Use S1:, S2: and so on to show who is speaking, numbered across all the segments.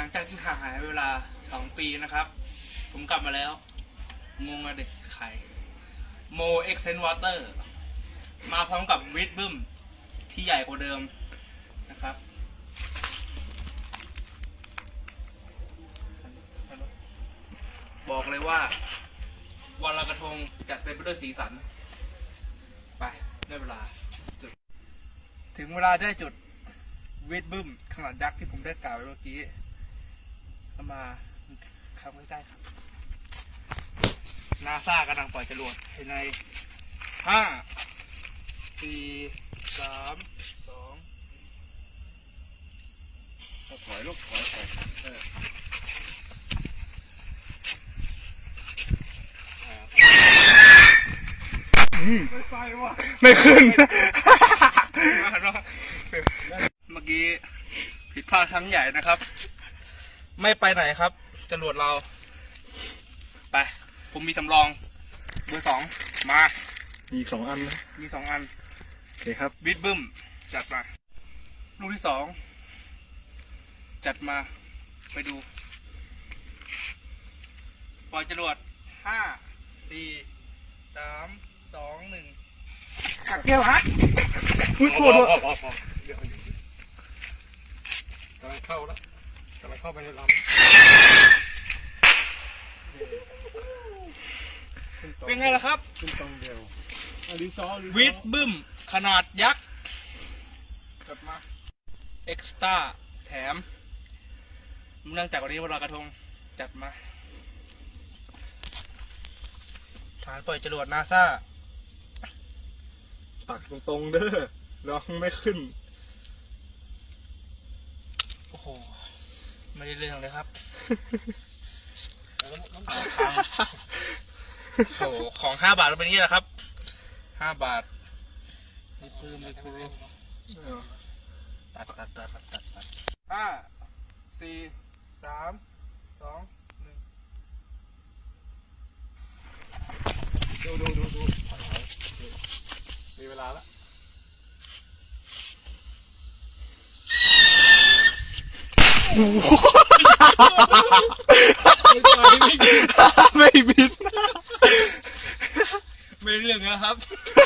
S1: ลังจากที่ห่างหายเวลา2 ปีนะครับ ผมกลับมาแล้ว งงอะเด็กไข่โมเอ็กเซนวอเตอร์มาพร้อมกับวิดบึ้มที่ใหญ่กว่าเดิมนะครับบอกเลยว่าวันลอยกระทงจัดเต็มไปด้วยสีสันไปได้เวลาจุดถึงเวลาได้จุดวิดบึ้มขนาดยักษ์ที่ผมได้กล่าวไว้เมื่อกี้เข้ามาเข้าใกล้ๆครับนาซากำลังปล่อยจรวดใน5 4 3 2ถอยลูกถอยไม่ไปว่ะไม่ขึ้น เมื่อกี้ผิดพลาดครั้งใหญ่นะครับไม่ไปไหนครับจรวดเราไปผมมีสำรองเบอร์ 2มา
S2: มีอีก2 อันนะ
S1: มี2 อัน
S2: โอเคครับ
S1: วิดบึ้มจัดมาลูกที่2จัดมาไปดูปล่อยจรวด5 4 3 2 1ขัดเกี่ยวฮะอุ้ยโคตร
S2: กำลังเข้าแล้วกำลังเข้าไปในลำ
S1: เป็นไงล่ะครับ
S2: ขึ้นตรงเดียว
S1: วิดบึ้มขนาดยักษ์จัดมาเอ็กซ์ตร้าแถมเนื่องจากวันนี้วันลอยกระทงจัดมาฐานปล่อยจรวดนาซา
S2: ปักตรงๆเด้อน้องไม่ขึ้น
S1: โอ้โหไม่ได้เรื่องเลยครับโอ้โหของ5 บาทเป็นอย่างนี้แหละครับ5 บาทไม่คือตัด5 4 3 2 1
S2: ดูมีเวลาแล้วไม่บิน
S1: ไม่เรื่องนะครับ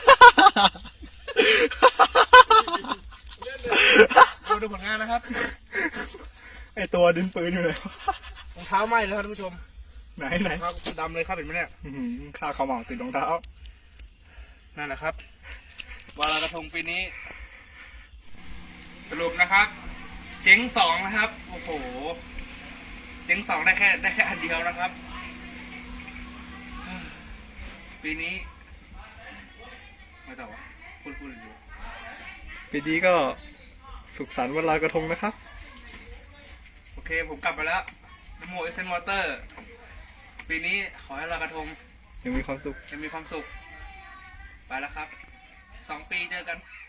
S1: ดูผลงานนะครับ
S2: ไอตัวดินปืนอยู่ไหน
S1: รองเท้าไหม้แล้วครับท่านผู้ชม
S2: ไหน
S1: ครับดำเลยครับเห็นไหมเนี่ย
S2: ข้าเขาเหมาติดรองเท้า
S1: นั่นแหละครับวันลอยกระทงปีนี้สรุปนะครับเจ๊ง2นะครับโอ้โหเจ๊ง2ได้แค่อันเดียวนะครับปีนี้ไม่ต่อวะพูดอยู่
S2: ปีนี้ก็สุขสันต์วันลอยกระทงนะครับ
S1: โอเคผมกลับไปแล้วนโมเอเซนวอเตอร์ปีนี้ขอให้ลอยกระทง
S2: ยังมีความสุข
S1: ไปแล้วครับ2 ปีเจอกัน